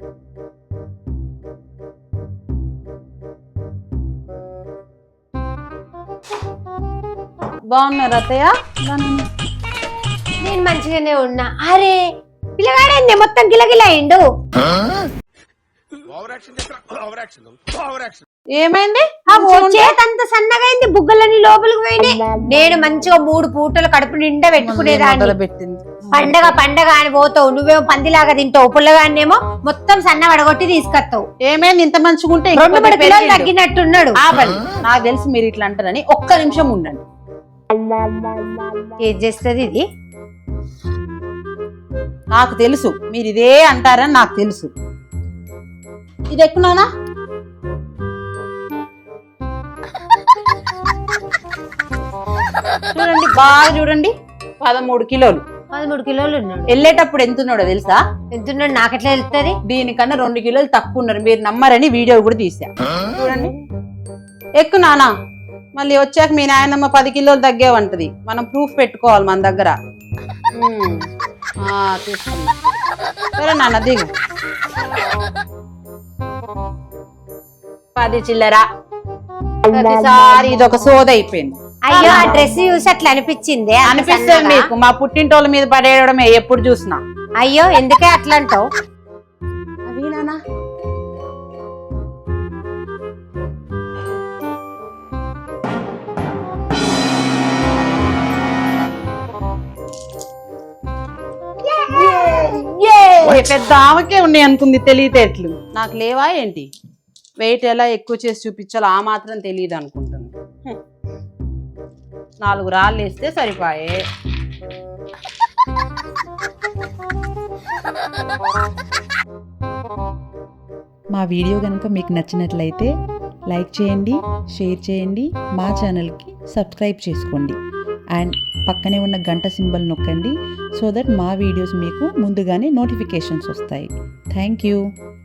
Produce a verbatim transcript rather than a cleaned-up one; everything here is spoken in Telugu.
బాగున్నారా అత్తయ్య? నేను మంచిగానే ఉన్నా. అరే పిల్లగాడేంది మొత్తం గిలగిల అయిండు. ఏమైంది? చేతంత సన్నగైంది, బుగ్గలన్నీ లోపలికి పోయినాయి. నేను మంచిగా మూడు పూటలు కడుపు నిండా పెట్టుకునేదాన్ని. పెట్టింది పండగ పండగ అని పోతావు, నువ్వేమో పందిలాగా తింటావు, పుల్లగానేమో మొత్తం సన్న వడగొట్టి తీసుకొస్తావు. ఏమైంది? ఇంత మంచిగా ఉంటే రెండు మూడు కిలోలు తగ్గినట్టున్నాడు. నాకు తెలుసు మీరు ఇట్లా అంటారని. ఒక్క నిమిషం ఉండండి. ఏం చేస్తుంది ఇది? నాకు తెలుసు మీరు ఇదే అంటారని నాకు తెలుసు. ఇది ఎక్కునానా? చూడండి బాగా చూడండి, పదమూడు కిలోలు. పదమూడు కిలోలు ఉన్నాడు. వెళ్ళేటప్పుడు ఎంత ఉన్నాడో తెలుసా? ఎంతున్నాడు నాకెట్లా వెళ్తుంది? దీనికన్నా రెండు కిలోలు తక్కువ ఉన్నారు. మీరు నమ్మరని వీడియో కూడా తీసా. చూడండి ఎక్కు నానా. మళ్ళీ వచ్చాక మీ నాయనమ్మ పది కిలోలు తగ్గేవంటది. మనం ప్రూఫ్ పెట్టుకోవాలి మన దగ్గర. తీసుకున్నా సరే నాన్న దిగు. పది చిల్లరా. ప్రతిసారి ఇది ఒక సోద అయిపోయింది. అయ్యో ఆ డ్రెస్ చూసి అట్లా అనిపించింది. అనిపిస్తుంది మీకు? మా పుట్టింటోళ్ళ మీద పడేయడమే ఎప్పుడు చూసినా. అయ్యో ఎందుకే అట్లా అంటావు? అవి నానా పెద్ద ఆమెకే ఉన్నాయి అనుకుంది తెలివితేటలు. నాకు లేవా ఏంటి? వెయిట్ ఎలా ఎక్కువ చేసి చూపించాలో ఆ మాత్రం తెలియదు అనుకుంటుంది. నాలుగు రాళ్ళు వేస్తే సరిపోయే. మా వీడియో కనుక మీకు నచ్చినట్లయితే లైక్ చేయండి, షేర్ చేయండి, మా ఛానల్కి సబ్స్క్రైబ్ చేసుకోండి అండ్ పక్కనే ఉన్న గంట సింబల్ నొక్కండి సో దట్ మా వీడియోస్ మీకు ముందుగానే నోటిఫికేషన్స్ వస్తాయి. Thank you.